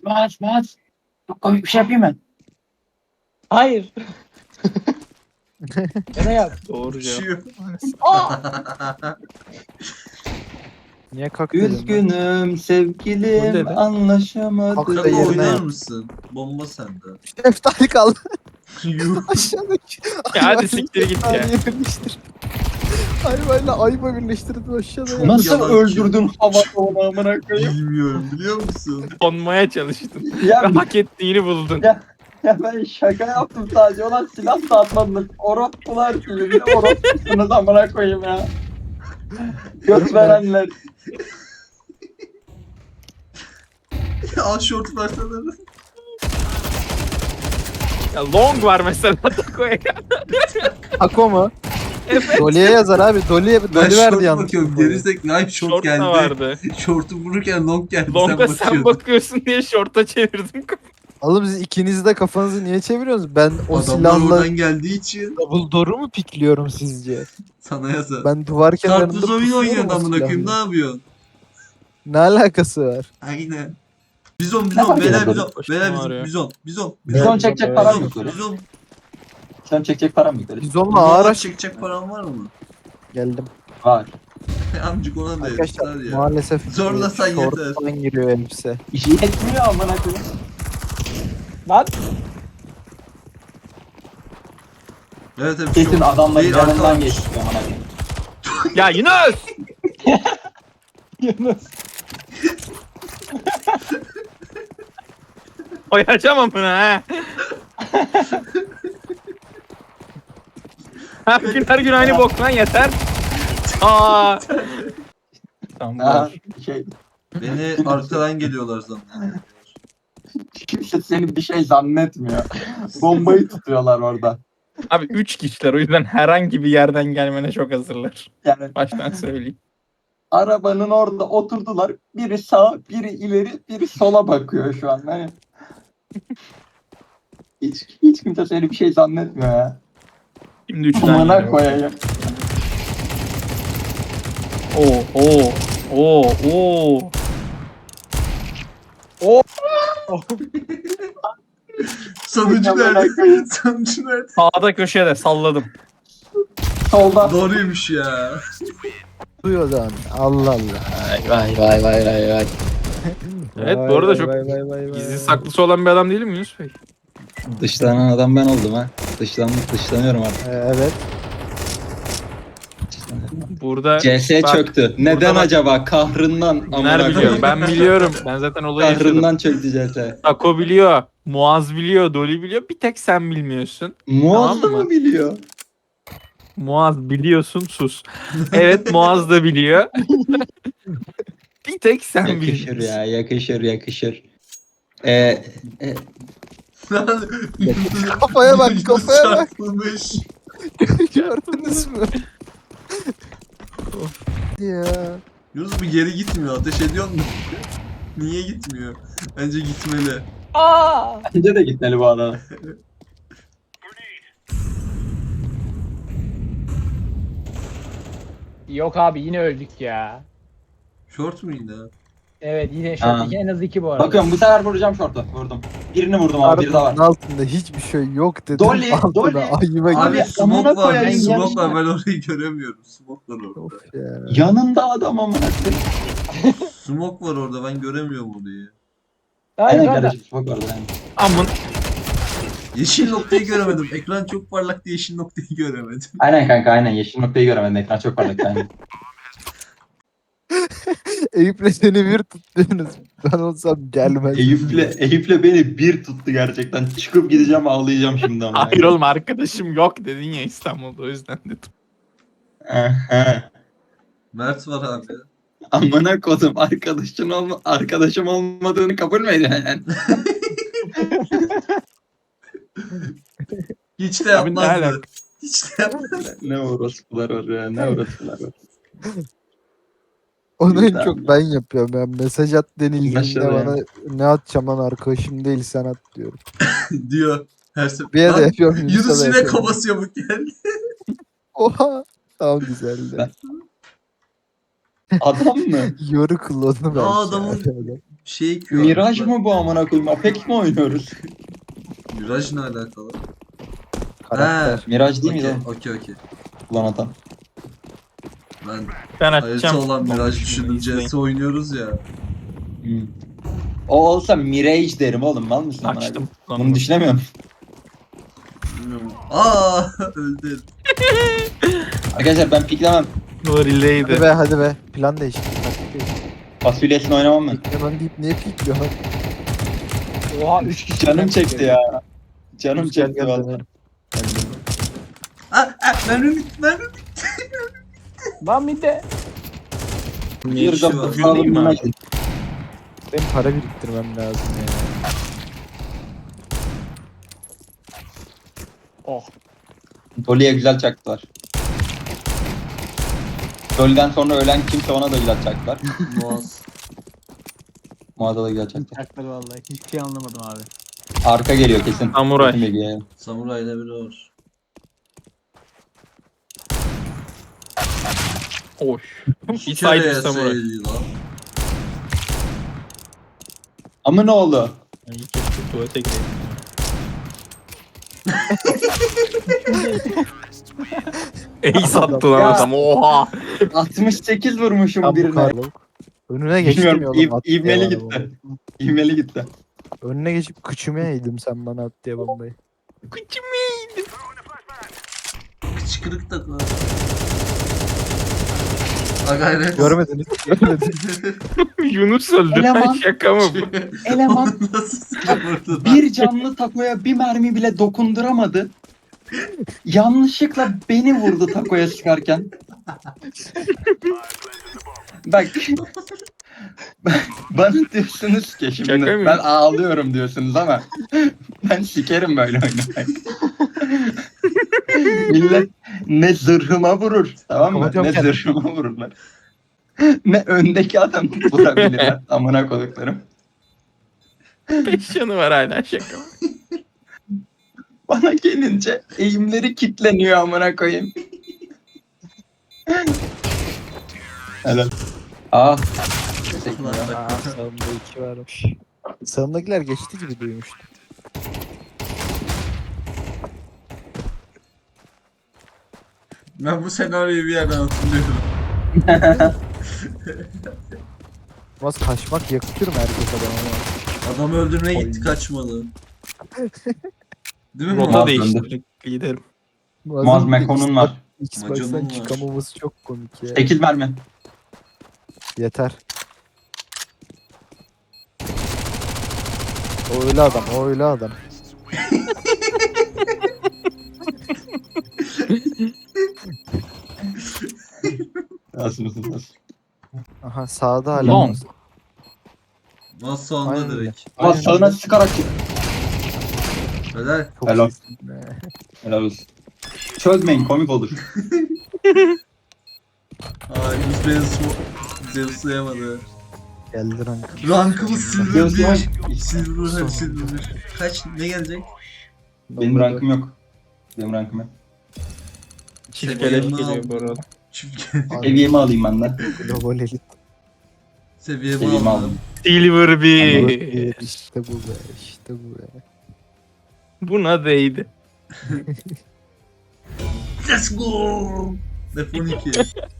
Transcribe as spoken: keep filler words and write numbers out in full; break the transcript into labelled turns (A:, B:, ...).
A: bas bas. Çok komik bir şey yapayım ben.
B: Hayır. Ne yap?
C: Doğru cevap.
D: Uçuyor.
E: Niye kalk dedin lan?
A: Üzgünüm
C: Ne
A: sevgilim
C: dedi?
A: anlaşamadık.
E: Haklı
D: Kanka
E: yerine
D: oynar
E: yap.
D: mısın? Bomba sende.
E: Şeftali kaldı
D: Yuh.
E: aşağıdaki.
C: Ya hadi siktir git ya.
E: Ayvayla birleştir. Ayvayla ayva birleştirdin aşağıda ya.
A: Nasıl
D: Yalan
A: öldürdün havada onu amına koyayım?
D: Bilmiyorum biliyor musun?
C: Konmaya çalıştın.
A: Ya,
C: Ve hak ettiğini buldun.
A: Ya- ya ben şaka yaptım sadece. Ulan silah da atmadınız. Orospular gibi. Bir de orospusunuz amına koyayım ya. Göt verenler.
D: Al short versene.
C: Ya long var mesela Tako'ya.
E: Ako mu?
C: Evet.
E: Dolly'e yazar abi. Dolly'e
D: Ben
E: Dolly
D: short
E: verdi yalnız.
D: bakıyorum. Gerizek live short,
C: Short
D: geldi.
C: da vardı.
D: Short'u vururken long geldi.
C: Long'da
D: sen
C: sen
D: bakıyordun.
C: bakıyorsun diye short'a çevirdim.
E: Oğlum siz ikiniz de kafanızı niye çeviriyorsunuz? Ben o
D: Adamlar
E: silahla
D: oradan geldiği için
E: double door'u mu pikliyorum sizce?
D: sana yazar.
E: Ben duvar kenarında
D: Karpuz oyun
E: pusuyorum
D: oynuyorsun
E: o
D: amına koyayım, ne
E: silahla.
D: yapıyorsun?
E: Ne alakası var?
D: Aynen. Bizon
A: Ne
D: bizon
A: fark
D: beyler
A: eder?
D: bizon
C: Başım
D: beyler
C: ağrıyor.
D: bizon bizon
A: Bizon
D: bizon
A: çekecek param
D: bizon
A: yok böyle.
D: bizon.
A: Bizon çekecek param yok böyle.
E: Biz onunla
D: Bizonla
E: ağır aç
D: çekecek paran var mı?
E: geldim.
A: Var.
D: Amcık ona da
E: Arkadaşlar
D: yeter ya.
E: maalesef
D: Zorlasan
E: şorttan giriyor elbise.
A: İşi yetmiyor amına koyayım.
B: Lan.
D: Evet evet.
A: Kesin
D: çok-
A: adamların
D: Değil,
A: yanından
D: arkadan-
A: geçti amına koyayım.
C: Ya Yunus!
B: Yunus.
C: Oyacağım bunu ha. Her gün her gün aynı bok lan yeter. Aa. Tamam.
A: Ha,
C: dur.
A: şey,
D: Beni arkadan geliyorlar zaten.
A: kimse seni bir şey zannetmiyor. Bombayı tutuyorlar orada.
C: Abi üç kişiler o yüzden herhangi bir yerden gelmene çok hazırlar.
A: Yani
C: Baştan söyleyeyim.
A: arabanın orada oturdular. Biri sağa, biri ileri, biri sola bakıyor şu an. Hani hiç, hiç kimse seni bir şey zannetmiyor ya.
C: Şimdi üç tane.
A: Amına
C: geliyor.
A: koyayım.
C: Oo oo oo oo.
D: Sonucu
A: Amına
D: nerede?
A: koyayım.
D: Sonucu nerede?
C: Sağda köşede salladım.
A: Solda.
D: Doğruymuş ya.
E: Duyuyor zaman. Allah Allah.
A: Vay vay vay vay vay.
C: Evet,
E: Vay
C: bu arada
E: vay
C: çok
E: vay vay vay vay.
C: Gizli saklısı olan bir adam değil mi Yunus Bey?
F: Dışlanan adam ben oldum ha. Dışlanmış, dışlanıyorum artık.
E: Ee, evet.
C: Burada
F: C S
C: bak,
F: çöktü. Neden
C: bak-
F: acaba? Kahrından.
C: Güner
F: amına
C: biliyor.
F: koyayım.
C: Ben biliyorum. Ben zaten olayı yaşadım.
F: Kahrından çöktü C S.
C: Tako biliyor. Muaz biliyor. Dolly biliyor. Bir tek sen bilmiyorsun.
F: Muaz da
C: Tamam mı?
F: mı biliyor?
C: Muaz biliyorsun sus. Evet Muaz da biliyor. Bir tek sen
F: Yakışır
C: biliyorsun.
F: ya, yakışır, yakışır. Ee, e,
E: Kafaya bak, kafaya bak.
D: Çarpılmış.
E: Gördünüz mü? ya.
D: Yunus bu geri gitmiyor. Ateş ediyor mu? Niye gitmiyor? Bence gitmeli.
B: Aa.
A: Bence de gitmeli bu adam.
B: Yok abi yine öldük ya.
D: Short mu yine?
B: Evet yine
F: Aa.
B: şort. En az iki bu arada.
A: Bakıyorum bu sefer vuracağım şortu. Vurdum. Birini vurdum abi, biri de var.
E: Arabanın altında hiçbir şey yok dedim.
A: Dolly,
E: altına
A: Dolly.
E: ayva
D: Abi
E: gibi.
D: smoke
A: amına
D: var.
A: koyayım,
D: Smoke
A: yarışma.
D: var. Ben orayı göremiyorum. Smoke var orada.
E: Of ya.
A: Yanında adam amına koyayım.
D: Smoke var orada. Ben göremiyorum orayı.
B: Hayır
A: Aynen
B: orada.
A: kardeşim bak orada yani.
C: Amın.
D: Yeşil noktayı göremedim. Ekran çok parlak diye yeşil noktayı göremedim.
A: Aynen kanka aynen yeşil noktayı göremedim, ekran çok parlak yani.
E: Eyüp'le seni bir tutuyorsunuz. Ben olsam gelmez.
F: Eyüp'le, Eyüp'le beni bir tuttu gerçekten. Çıkıp gideceğim, ağlayacağım şimdi ama.
C: Hayır oğlum arkadaşım yok dedin ya İstanbul'da o yüzden dedim.
F: Aha.
D: Mert var abi.
F: Amına kodum, arkadaşın olma, arkadaşım olmadığını kabul mü ediyorsun?
D: Hiç de
C: Abi ne
D: yapmazdı.
C: alaka?
D: Hiç de yapmazdı.
F: Ne orospular var ya, ne orospular var.
E: Onu en
F: Güzel.
E: çok ben yapıyorum. Ben mesaj at denildiğinde
F: Başladı
E: bana ne atacağım lan arkadaşım değil sen at diyorum.
D: Diyor. Her sefer.
E: Bir yere
D: Lan,
E: yapıyorum. Yunus'a
D: Yunus
E: da
D: yine
E: yapıyorum.
D: kafası yamuk geldi.
E: Oha. Tamam güzeldi.
F: Ben-
A: Adam mı?
E: Yoru kullandı belki.
D: Aa, adamın-
E: Yani.
D: Şey ki.
A: Miraj mı bu amına koyayım? Apex mi oynuyoruz?
D: Miraj ne alakalı?
E: Karakter.
A: Miraj değil miydi
D: Okey okey okey.
A: o? Ulan adam.
D: Ben
C: Ben
D: harita
C: açacağım.
D: olan Miraj düşündüm.
C: İzleyin.
D: C S oynuyoruz ya.
A: Hmm. O olsa Mirage derim oğlum. Mal mısın amına koyayım?
C: Açtım.
A: Bunu düşünemiyorum.
D: Bilmiyorum. Aa öldü.
A: Arkadaşlar ben piklemem.
E: Hadi
C: Nurileydi.
E: be hadi be. Plan değişti. Taktik değişti.
A: Fasulyesini oynamam ben.
E: Hemen deyip niye pikliyor?
B: Oha üç kişi.
A: Canım çekti ya. Canım
E: Gel
A: çekti
E: gel
A: valla.
E: dönelim.
D: Aa, aa mermi bitti mermi bitti.
B: Lan bir de.
D: Niye
A: Bir
D: bir şey
A: de
D: var?
C: Bugün değil mi
A: sağlığına
C: abi?
A: gidin.
E: Benim para biriktirmem lazım ya.
B: Oh.
A: Dolly'e güzel çaktılar. Dolly'den sonra ölen kimse ona da güzel çaktılar.
D: Boğaz.
A: Muaz'a da güzel çaktılar.
B: Çakları vallahi. Hiçbir şey anlamadım abi.
A: Arka geliyor kesin.
C: Samuray.
A: Kesin geliyor.
D: Samurayla biri var.
C: Oş.
D: İki
C: Bir
D: kere
C: saydı samuray.
D: yeseydi lan.
A: Ama ne oldu?
C: Ay, keşke tuvalete gireydim. Ey sattı lan
A: Ya.
C: adam. Oha.
A: altmış sekiz vurmuşum
E: Tam bu
A: birine.
E: karlı. Önüne geçtim
A: Bilmiyorum.
E: yolum.
A: İv,
E: attı ya
A: ivmeli
E: bana
A: gitti.
E: bombayı.
A: İvmeli gitti.
E: Önüne geçip kıçıma eğdim sen bana at diye bombayı.
C: Kıçım
D: Kıçkırık da var. Ha gayret.
E: Görmediniz. Görmediniz.
C: Yunus öldü.
A: Eleman.
C: Şaka mı bu?
A: Eleman
D: Nasıl sıkılırdı?
A: bir canlı takoya bir mermi bile dokunduramadı. Yanlışlıkla beni vurdu takoya sıkarken. Bak. Bana diyorsunuz ki şimdi
C: Şaka mı?
A: ben ağlıyorum diyorsunuz ama ben sikerim böyle oynamak. Millet ne zırhıma vurur, tamam mı?
E: Hocam
A: Ne
E: kendisi.
A: zırhıma vururlar. Ne öndeki adam vurabilirler. Amına koyduklarım.
C: Beş canı var hala şaka mı?
A: Bana gelince eğimleri kitleniyor amına koyayım. Helal. Aa. Teşekkürler.
E: Aa, sağımda iki varmış. Sağımdakiler geçti gibi duymuştum.
D: Ben bu senaryoyu bir yerden hatırlıyorum.
E: Mas kaçmak yakışır mı erkek adama?
D: Adam öldürmeye gitti kaçmadı. Değil mi?
C: Rota
A: Muaz
C: değiştirdik. Gidelim.
A: Maz Mekon'un var.
E: Xbox'tan
D: Macon'un var.
E: çıkamamız çok komik ya.
A: sekiz mermi.
E: Yeter. O öyle adam, o öyle adam.
A: Nasıl mısın? Nasıl?
E: Aha sağda hala.
C: Long.
D: Mas sonunda
E: Aynen.
D: direkt.
A: Ama sağına sıkarak çık.
D: Helal.
E: Çok
A: Helal.
E: iyisin be.
A: Helal olsun. Çözmeyin komik olur.
D: Aa Yunus beni smo- Zeus'layamadı.
E: Geldi rank.
D: Rankımız silver
A: Zeus'lar-
D: bir. Silver hep silver. Kaç ne gelecek?
A: Benim rankım yok. Benim rankım yok.
C: Çift
D: Seviyemi
C: keleş geliyor
D: aldım.
C: bu arada.
D: Çünkü
A: Seviyemi alayım ben de.
E: Global elit.
D: seviyemi
A: Seviyemi
D: aldım.
A: aldım.
C: Silver bir.
E: İşte bu be, işte bu be.
C: Buna değdi.
D: Let's go. F on iki.